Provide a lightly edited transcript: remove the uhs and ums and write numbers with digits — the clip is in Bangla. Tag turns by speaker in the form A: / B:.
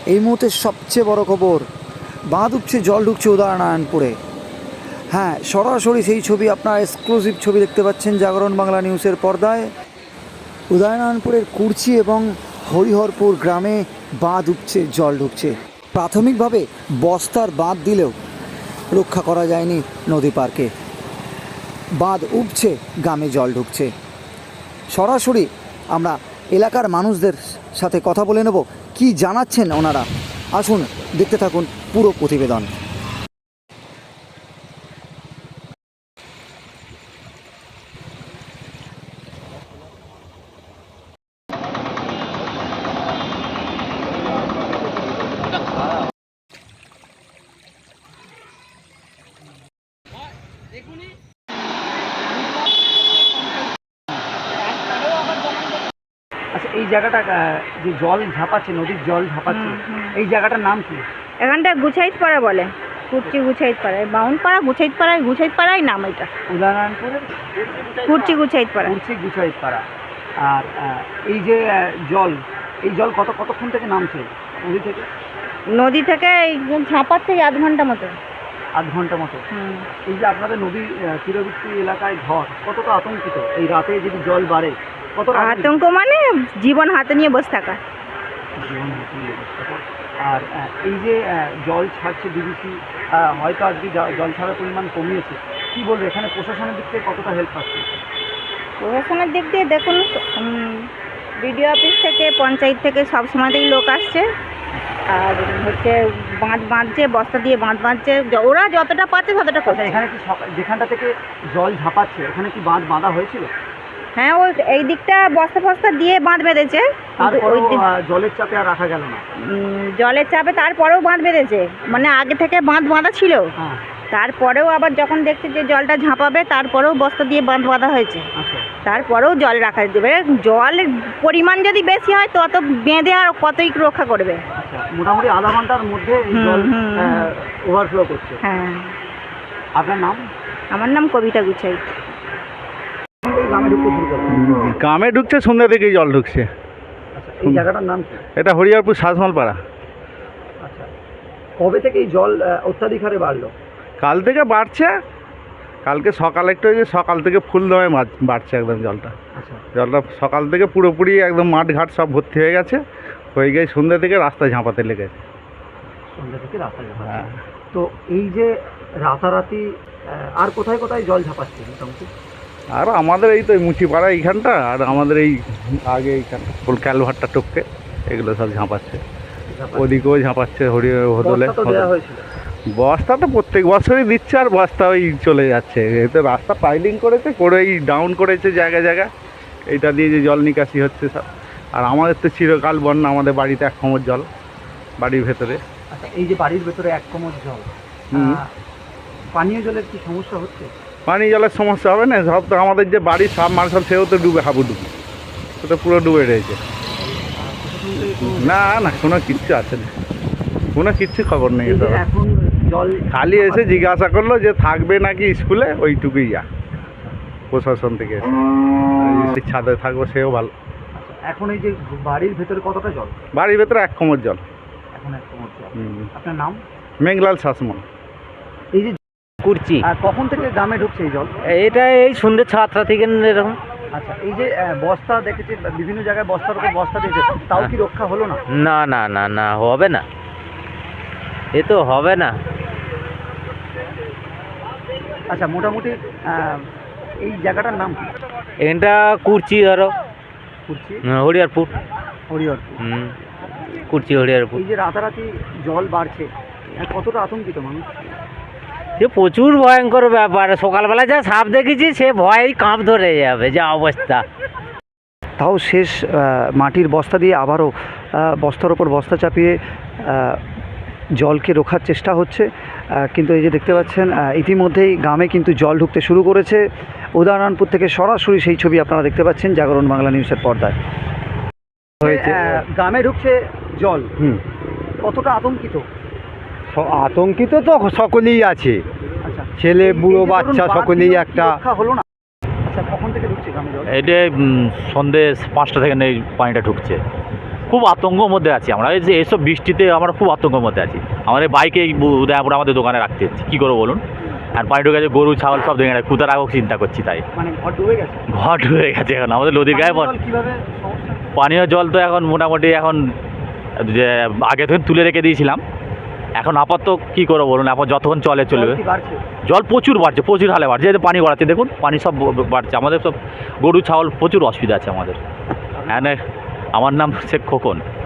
A: এই মুহূর্তে সবচেয়ে বড় খবর, বাঁধ উঠছে, জল ঢুকছে উদয়নারায়ণপুরে। হ্যাঁ, সরাসরি সেই ছবি, আপনার এক্সক্লুসিভ ছবি দেখতে পাচ্ছেন জাগরণ বাংলা নিউজের পর্দায়। উদয়নারায়ণপুরের কুর্চি এবং হরিহরপুর গ্রামে বাঁধ উঠছে, জল ঢুকছে। প্রাথমিকভাবে বস্তার বাঁধ দিলেও রক্ষা করা যায়নি নদী পারকে। বাঁধ উঠছে, গ্রামে জল ঢুকছে। সরাসরি আমরা এলাকার মানুষদের সাথে কথা বলে নেব, কি জানাচ্ছেন ওনারা। আসুন দেখতে থাকুন পুরো প্রতিবেদন। আচ্ছা, এই জায়গাটা যে জল ঝাঁপাচ্ছে, নদীর জল ঝাঁপাচ্ছে, এই জায়গাটার নাম কি?
B: এখানটা গুছাইতপাড়া বলে, কুর্চি গুছাইতপাড়ায়, বাউনপাড়া গুছাইতপাড়ায় নাম এটা।
A: উদয়নারায়ণপুরের
B: কুর্চি গুছাইতপাড়া।
A: কুর্চি গুছাইতপাড়া। আর এই যে জল, এই জল কতক্ষণ থেকে নামছে নদী থেকে?
B: নদী থেকে এই ঝাঁপার থেকে আধ ঘন্টা মতো।
A: আধ ঘন্টা মতো। এই যে আপনাদের নদী তীরবর্তী এলাকায় ঘর, কতটা আতঙ্কিত এই রাতে যদি জল বাড়ে? কতটা
B: আতঙ্ক মানে জীবন হাতে নিয়ে বসে থাকা।
A: জীবন হাতে নিয়ে বসে থাকা। আর এই যে জল ছাড়ছে ডিবিসি, হয়তো আজকে জল ছাড়ার পরিমাণ কমিয়েছে, কী বলবে এখানে প্রশাসনের দিক থেকে কতটা হেল্প পাচ্ছে?
B: প্রশাসনের দিক দিয়ে দেখুন, বিডিও অফিস থেকে, পঞ্চায়েত থেকে সব সময়তেই লোক আসছে। আর হচ্ছে বাঁধ বাঁধছে, বস্তা দিয়ে বাঁধ বাঁধছে, ওরা যতটা পাচ্ছে ততটা করছে।
A: এখানে কি যেখানটা থেকে জল ঝাঁপাচ্ছে ওখানে কি বাঁধ বাঁধা হয়েছিল?
B: হ্যাঁ, ওই এই দিকটা বস্তা ফস্তা দিয়ে বাঁধ বেঁধেছে।
A: ওই জলের চাপে আর রাখা গেল না।
B: জলের চাপে তারপরেও বাঁধ বেঁধেছে, মানে আগে থেকে বাঁধ বাঁধা ছিল। তারপরেও আবার যখন দেখছে যে জলটা ঝাঁপাবে, তারপরেও বস্তা দিয়ে বাঁধ বাঁধা হয়েছে। তারপরেও জল রাখা যাবে। জলের পরিমাণ যদি বেশি হয় তত বেঁধে আর কতই রক্ষা করবে।
A: মোটামুটি আধা ঘন্টার মধ্যে জল ওভারফ্লো করছে।
B: হ্যাঁ।
A: আপনার নাম?
C: আমার নাম কবিতা গুছাই।
D: গ্রামে ঢুকছে, সন্ধ্যা থেকেই জল ঢুকছে।
A: এই জায়গাটার নাম কি?
D: এটা হরিহরপুর শাসমালপাড়া।
A: আচ্ছা, কবে থেকে এই জল অত্যাধিক হারে বাড়লো?
D: কাল থেকে বাড়ছে। কালকে সকাল একটু হয়েছে, সকাল থেকে ফুল দমে বাড়ছে একদম জলটা। জলটা সকাল থেকে পুরোপুরি একদম মাঠ ঘাট সব ভর্তি হয়ে গেছে, হয়ে গিয়ে সন্ধ্যা থেকে রাস্তায় ঝাঁপাতে লেগেছে।
A: সন্ধ্যা থেকে রাস্তায় ঝাঁপাতে। হ্যাঁ। তো এই যে রাতারাতি আর কোথায় কোথায় জল ঝাঁপাচ্ছে মোটামুটি?
D: আর আমাদের এই তো মুচিপাড়া এইখানটা, আর আমাদের এই আগে এইখানটা ফুল ক্যালভারটা টপকে এগুলো সব ঝাঁপাচ্ছে। ওদিকেও ঝাঁপাচ্ছে হোদলে। বস্তা তো প্রত্যেক বছরই দিচ্ছে, আর বস্তা ওই চলে যাচ্ছে। এতে রাস্তা পাইলিং করেছে, করেই ডাউন করেছে জায়গায় জায়গায়, এইটা দিয়ে যে জল নিকাশি হচ্ছে সব। আর আমাদের তো চিরকাল বন্যা, আমাদের বাড়িতে 1 কোমর জল বাড়ির ভেতরে।
A: আচ্ছা, এই যে বাড়ির ভেতরে 1 কোমর জল, পানীয় জলের কি সমস্যা হচ্ছে?
D: পানীয় জলের সমস্যা হবে না, সব তো আমাদের যে বাড়ির সাবমার্শাল সেও তো ডুবে, হাবুডুবু, তো পুরো ডুবে রয়েছে। না না, কোনো কিচ্ছু আছে না, কোনো কিচ্ছু খবর নেই।
A: এখন জল
D: খালি এসে জিজ্ঞাসা করলো যে থাকবে নাকি স্কুলে, ওইটুকুই যা প্রশাসন থেকে এসে। ছাদে থাকবো সেও ভালো।
A: এখন এই যে বাড়ির ভেতরে কতটা জল?
D: বাড়ির ভেতরে 1 কোমর জল।
A: এখন 1 কোমর জল। আপনার নাম?
D: মেঘলাল শাসমল।
A: এই যে
E: কুর্চি,
A: কখন থেকে গ্রামে ঢুকছে এই জল?
E: এটা এই সন্ধ্যে 7টা থেকে এরকম।
A: আচ্ছা, এই যে বস্তা দেখেছি বিভিন্ন জায়গায়, বস্তার উপর বস্তা দিয়েছে, তাও কি রক্ষা হলো না?
E: না না না না, হবে না, এ তো হবে না।
A: আচ্ছা, মোটামুটি এই জায়গাটার নাম কি?
E: এটা কুর্চি, ধরো
A: কুর্চি,
E: হরিহরপুর।
A: হরিহরপুর।
E: কুর্চি হরিহরপুর।
A: এই যে রাতারাতি জল বাড়ছে, কতটা আতঙ্কিত মানুষ?
E: সে প্রচুর ভয়ঙ্কর ব্যাপার। সকালবেলা যা সাপ দেখেছি, সে ভয়েই কাঁপ ধরে যাবে, যা অবস্থা।
A: তাও শেষ মাটির বস্তা দিয়ে আবারও বস্তার ওপর বস্তা চাপিয়ে জলকে রোখার চেষ্টা হচ্ছে। কিন্তু এই যে দেখতে পাচ্ছেন, ইতিমধ্যেই গ্রামে কিন্তু জল ঢুকতে শুরু করেছে। উদয়নারায়ণপুর থেকে সরাসরি সেই ছবি আপনারা দেখতে পাচ্ছেন জাগরণ বাংলা নিউজের পর্দায়। হয়েছে গ্রামে ঢুকছে জল, কতটা আতঙ্কিত?
F: আতঙ্কিত তো সকলেই আছে।
A: আচ্ছা,
F: ছেলে বুড়ো বাচ্চা সকলেই একটা।
A: হলো না? আচ্ছা, কখন থেকে ঢুকছে গ্রামে জল?
G: এটা সন্ধ্যে 5টা থেকে পানিটা ঢুকছে। খুব আতঙ্কর মধ্যে আছি আমরা। এই যে এইসব বৃষ্টিতে আমরা খুব আতঙ্কের মধ্যে আছি। আমাদের বাইকে উদয়পুর আমাদের দোকানে রাখতে হচ্ছে, কী করবো বলুন। আর পানি ঢুকে গেছে, গরু ছাগল সব দেখে গেছে, কোথায় রাখবো চিন্তা করছি। তাই
A: মানে ঘর ডুবে গেছে।
G: ঘর ঢুকে গেছে এখন আমাদের নদীর গায়ে।
A: কিভাবে সমস্যা?
G: পানীয় জল তো এখন মোটামুটি এখন যে আগে থেকে তুলে রেখে দিয়েছিলাম, এখন আপাতত কী করবো বলুন, এখন যতক্ষণ চলবে।
A: কি বাড়ছে?
G: জল প্রচুর বাড়ছে, প্রচুর হালে বাড়ছে। এই যে পানি গড়াচ্ছে দেখুন, পানি সব বাড়ছে। আমাদের সব গরু ছাগল প্রচুর অসুবিধা আছে আমাদের। হ্যাঁ, আমার নাম শেখ খোকন।